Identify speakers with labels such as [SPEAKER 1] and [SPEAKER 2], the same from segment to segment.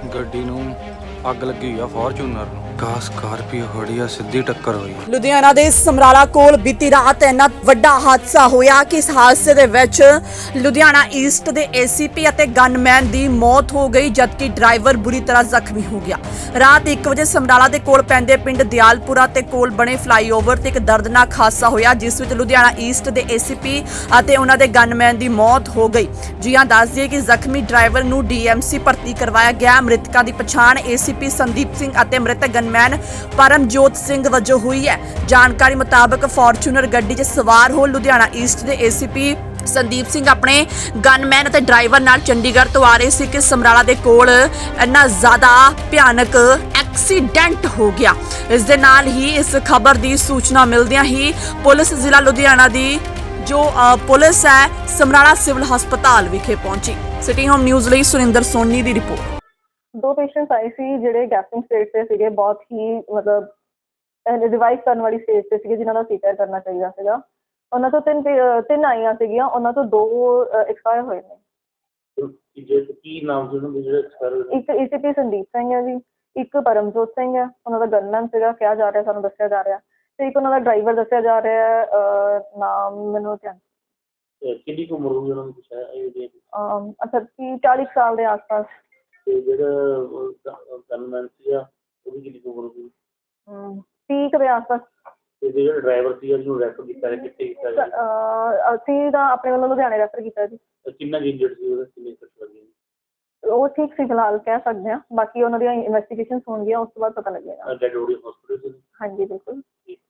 [SPEAKER 1] ਗੱਡੀ ਨੂੰ ਅੱਗ ਲੱਗੀ ਹੋਈ ਆ ਫੋਰਚੂਨਰ ਨੂੰ। ਸਕਾਰਪੀਓ ਖੜੀ ਆ, ਸਿੱਧੀ ਟੱਕਰ ਹੋਈ।
[SPEAKER 2] ਲੁਧਿਆਣਾ ਦੇ ਸਮਰਾਲਾ ਕੋਲ ਬੀਤੀ ਰਾਤ ਇੰਨਾ ਵੱਡਾ ਹਾਦਸਾ ਹੋਇਆ ਕਿ ਇਸ ਹਾਦਸੇ ਦੇ ਵਿੱਚ ਲੁਧਿਆਣਾ ਈਸਟ ਦੇ ਏਸੀਪੀ ਅਤੇ ਗਨਮੈਨ ਦੀ ਮੌਤ ਹੋ ਗਈ, ਜਦਕਿ ਡਰਾਈਵਰ ਬੁਰੀ ਤਰ੍ਹਾਂ ਜ਼ਖਮੀ ਹੋ ਗਿਆ। ਰਾਤ 1 ਵਜੇ ਸਮਰਾਲਾ ਦੇ ਕੋਲ ਪੈਂਦੇ ਪਿੰਡ ਦਿਆਲਪੁਰਾ ਤੇ ਕੋਲ ਬਣੇ ਫਲਾਈਓਵਰ ਤੇ ਇੱਕ ਦਰਦਨਾਕ ਹਾਦਸਾ ਹੋਇਆ, ਜਿਸ ਵਿੱਚ ਲੁਧਿਆਣਾ ਈਸਟ ਦੇ ਏਸੀਪੀ ਅਤੇ ਉਹਨਾਂ ਦੇ ਗਨਮੈਨ ਦੀ ਮੌਤ ਹੋ ਗਈ। ਜੀ ਹਾਂ, ਦੱਸ ਦਈਏ ਕਿ ਜ਼ਖਮੀ ਡਰਾਈਵਰ ਨੂੰ ਡੀਐਮਸੀ ਭਰਤੀ ਕਰਵਾਇਆ ਗਿਆ। ਮ੍ਰਿਤਕਾਂ ਦੀ ਪਛਾਣ ਏਸੀਪੀ ਸੰਦੀਪ ਸਿੰਘ ਅਤੇ ਮ੍ਰਿਤਕ ਗਨਮੈਨ ਪਰਮਜੋਤ ਸਿੰਘ ਵਜੋਂ ਹੋਈ ਹੈ। ਜਾਣਕਾਰੀ ਮੁਤਾਬਕ ਫੋਰਚੂਨਰ ਗੱਡੀ 'ਚ ਸਵਾਰ ਹੋ ਲੁਧਿਆਣਾ ਈਸਟ ਦੇ ਏਸੀਪੀ ਸੰਦੀਪ ਸਿੰਘ ਆਪਣੇ ਗਨਮੈਨ ਅਤੇ ਡਰਾਈਵਰ ਨਾਲ ਚੰਡੀਗੜ੍ਹ ਤੋਂ ਆ ਰਹੇ ਸੀ ਕਿ ਸਮਰਾਲਾ ਦੇ ਕੋਲ ਇੰਨਾ ਜ਼ਿਆਦਾ ਭਿਆਨਕ ਐਕਸੀਡੈਂਟ ਹੋ ਗਿਆ। ਇਸ ਦੇ ਨਾਲ ਹੀ ਇਸ ਖਬਰ ਦੀ ਸੂਚਨਾ ਮਿਲਦਿਆਂ ਹੀ ਪੁਲਿਸ ਜ਼ਿਲ੍ਹਾ ਲੁਧਿਆਣਾ ਦੀ ਜੋ ਪੁਲਿਸ ਹੈ ਸਮਰਾਲਾ ਸਿਵਲ ਹਸਪਤਾਲ ਵਿਖੇ ਪਹੁੰਚੀ। ਸਿਟੀ ਹੋਮ ਨਿਊਜ਼ ਲਈ ਸੁਰਿੰਦਰ ਸੋਨੀ ਦੀ ਰਿਪੋਰਟ।
[SPEAKER 3] 2 ਪੇਸ਼ੈਂਟਸ ਆਏ ਸੀ ਜਿਹੜੇ ਗੈਸਟਿੰਗ ਸਟੇਜ ਤੇ ਸੀਗੇ, ਬਹੁਤ ਹੀ ਮਤਲਬ ਰਿਵਾਈਵ ਕਰਨ ਵਾਲੀ ਸਟੇਜ ਤੇ ਸੀਗੇ, ਜਿਨ੍ਹਾਂ ਦਾ ਸੀਪੀਆਰ ਕਰਨਾ ਚਾਹੀਦਾ ਸੀਗਾ। ਉਹਨਾਂ ਤੋਂ ਤਿੰਨ ਆਈਆਂ ਸੀਗੀਆਂ, ਉਹਨਾਂ ਤੋਂ 2 ਐਕਸਪਾਇਰ ਹੋਏ ਨੇ।
[SPEAKER 4] ਕੀ ਨਾਮ ਸੀ ਉਹਨਾਂ ਦੇ ਜਿਹੜੇ ਐਕਸਪਾਇਰ?
[SPEAKER 3] ਇੱਕ ਏਸੀਪੀ ਸੰਦੀਪ ਸਿੰਘ ਹੈ ਜੀ, ਇੱਕ ਪਰਮਜੋਤ ਸਿੰਘ ਹੈ, ਉਹਨਾਂ ਦਾ ਗਨਮੈਨ ਸੀਗਾ ਕਿਹਾ ਜਾ ਰਿਹਾ, ਸਾਨੂੰ ਦੱਸਿਆ ਜਾ ਰਿਹਾ, ਤੇ ਇੱਕ ਉਹਨਾਂ ਦਾ ਡਰਾਈਵਰ ਦੱਸਿਆ ਜਾ ਰਿਹਾ, ਨਾਮ ਮੈਨੂੰ ਧਿਆਨ।
[SPEAKER 4] ਕਿੰਨੀ ਕੁ ਉਮਰ ਹੋਈ ਉਹਨਾਂ ਦੀ ਕੁਛ ਹੈ?
[SPEAKER 3] ਅੱਛਾ 40 ਸਾਲ ਦੇ ਆਸ-ਪਾਸ।
[SPEAKER 4] ਤੇ ਜਿਹੜਾ ਗਨਮੈਨ ਸੀਗਾ ਉਹਦੀ ਕਿੰਨੀ ਕੁ ਉਮਰ ਹੋਈ?
[SPEAKER 3] 30 ਦੇ ਆਸ-ਪਾਸ।
[SPEAKER 4] ਤੇ ਜਿਹੜਾ ਡਰਾਈਵਰ ਸੀਗਾ ਜਿਹਨੂੰ ਰੈਫਰ ਕੀਤਾ ਗਿਆ, ਕਿੱਥੇ ਕੀਤਾ ਗਿਆ?
[SPEAKER 3] ਅਸੀਂ ਤਾਂ ਆਪਣੇ ਵੱਲੋਂ ਲੁਧਿਆਣੇ ਰੈਫਰ ਕੀਤਾ ਜੀ।
[SPEAKER 4] ਕਿੰਨਾ ਇੰਜਰਡ ਸੀ ਉਹਦਾ, ਕਿੰਨੇ ਸੱਟ ਲੱਗੀ?
[SPEAKER 3] ਉਹ ਠੀਕ ਸੀ ਫਿਲਹਾਲ, ਕਹਿ ਸਕਦੇ ਹਾਂ। ਬਾਕੀ ਉਹਨਾਂ ਦੀਆਂ ਇਨਵੈਸਟੀਗੇਸ਼ਨ ਹੋਣਗੀਆਂ, ਉਸ ਤੋਂ ਬਾਅਦ ਪਤਾ ਲੱਗੇਗਾ।
[SPEAKER 4] Dead body hospital?
[SPEAKER 3] ਹਾਂਜੀ ਬਿਲਕੁਲ।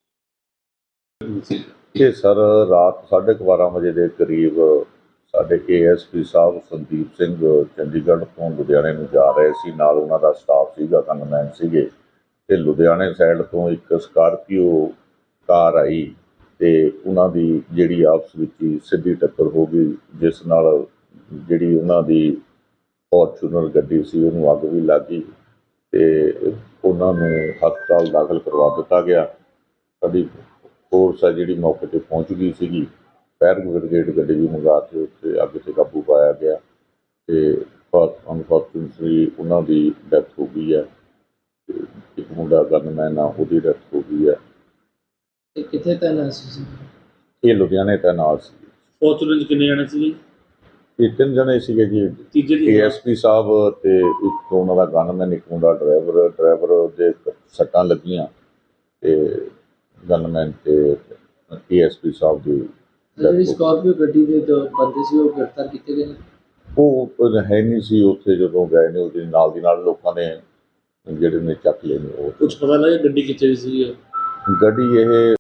[SPEAKER 5] ਇਹ ਸਰ ਰਾਤ 12:30 ਵਜੇ ਦੇ ਕਰੀਬ ਸਾਡੇ ਏਐਸਪੀ ਸਾਹਿਬ ਸੰਦੀਪ ਸਿੰਘ ਚੰਡੀਗੜ੍ਹ ਤੋਂ ਲੁਧਿਆਣੇ ਨੂੰ ਜਾ ਰਹੇ ਸੀ। ਨਾਲ ਉਹਨਾਂ ਦਾ ਸਟਾਫ ਸੀਗਾ, ਗਨਮੈਨ ਸੀਗੇ, ਤੇ ਲੁਧਿਆਣੇ ਸਾਈਡ ਤੋਂ ਇੱਕ ਸਕਾਰਪੀਓ ਕਾਰ ਆਈ ਤੇ ਉਹਨਾਂ ਦੀ ਜਿਹੜੀ ਆਪਸ ਵਿੱਚ ਹੀ ਸਿੱਧੀ ਟੱਕਰ ਹੋ ਗਈ, ਜਿਸ ਨਾਲ ਜਿਹੜੀ ਉਹਨਾਂ ਦੀ ਫੋਰਚੂਨਰ ਗੱਡੀ ਸੀ ਉਹਨੂੰ ਅੱਗ ਵੀ ਲੱਗ ਗਈ ਤੇ ਉਹਨਾਂ ਨੂੰ ਹਸਪਤਾਲ ਦਾਖਲ ਕਰਵਾ ਦਿੱਤਾ ਗਿਆ। ਸਾਡੀ ਫੋਰਸ ਆ ਜਿਹੜੀ ਮੌਕੇ 'ਤੇ ਪਹੁੰਚ ਗਈ ਸੀਗੀ, ਫਾਇਰ ਬ੍ਰਿਗੇਡ ਗੱਡੀ ਵੀ ਮੰਗਾ ਕੇ ਉੱਥੇ ਅੱਗ 'ਤੇ ਕਾਬੂ ਪਾਇਆ ਗਿਆ ਤੇ ਅਨਫੋਰਚੂਨੇਟਲੀ ਉਹਨਾਂ ਦੀ ਡੈਥ ਹੋ ਗਈ ਹੈ। ਇੱਕ ਮੁੰਡਾ ਗਨਮੈਨ ਆ, ਉਹਦੀ ਡੈਥ ਹੋ ਗਈ ਹੈ।
[SPEAKER 4] ਕਿੱਥੇ ਤੈਨਾਤ ਸੀ?
[SPEAKER 5] ਇਹ ਲੁਧਿਆਣੇ ਤੈਨਾਤ ਸੀ।
[SPEAKER 4] ਫੋਰਚੂਨਰ 'ਚ ਕਿੰਨੇ ਜਾਣੇ ਸੀਗੇ?
[SPEAKER 5] ਇਹ 3 ਜਣੇ ਸੀਗੇ ਜੀ,
[SPEAKER 4] ਤੀਜੇ ਦੀ
[SPEAKER 5] ਏਐਸਪੀ ਸਾਹਿਬ ਤੇ ਇੱਕ ਉਹਨਾਂ ਦਾ ਗਨਮੈਨ, ਇੱਕ ਮੁੰਡਾ ਡਰਾਈਵਰ ਦੇ ਸੱਟਾਂ ਲੱਗੀਆਂ ਤੇ ਗਨਮੈਨ ਤੇ ਏਐਸਪੀ ਸਾਹਿਬ ਦੀ
[SPEAKER 6] ਜਿਹੜੀ ਸਕਾਰਪੀਓ ਗੱਡੀ ਦੇ ਬੰਦੇ ਸੀ ਉਹ ਗ੍ਰਿਫਤਾਰ ਕੀਤੇ ਗਏ ਨੇ।
[SPEAKER 5] ਉਹ ਹੈ ਨਹੀਂ ਸੀ ਉੱਥੇ ਜਦੋਂ ਗਏ ਨੇ, ਉਹਦੇ ਨਾਲ ਦੀ ਨਾਲ ਲੋਕਾਂ ਨੇ ਜਿਹੜੇ ਨੇ ਚੱਕ ਲਏ ਨੇ। ਉਹ
[SPEAKER 4] ਕੁਝ ਪਤਾ ਲੱਗਿਆ ਗੱਡੀ ਕਿੱਥੇ ਸੀ?
[SPEAKER 5] ਗੱਡੀ ਇਹ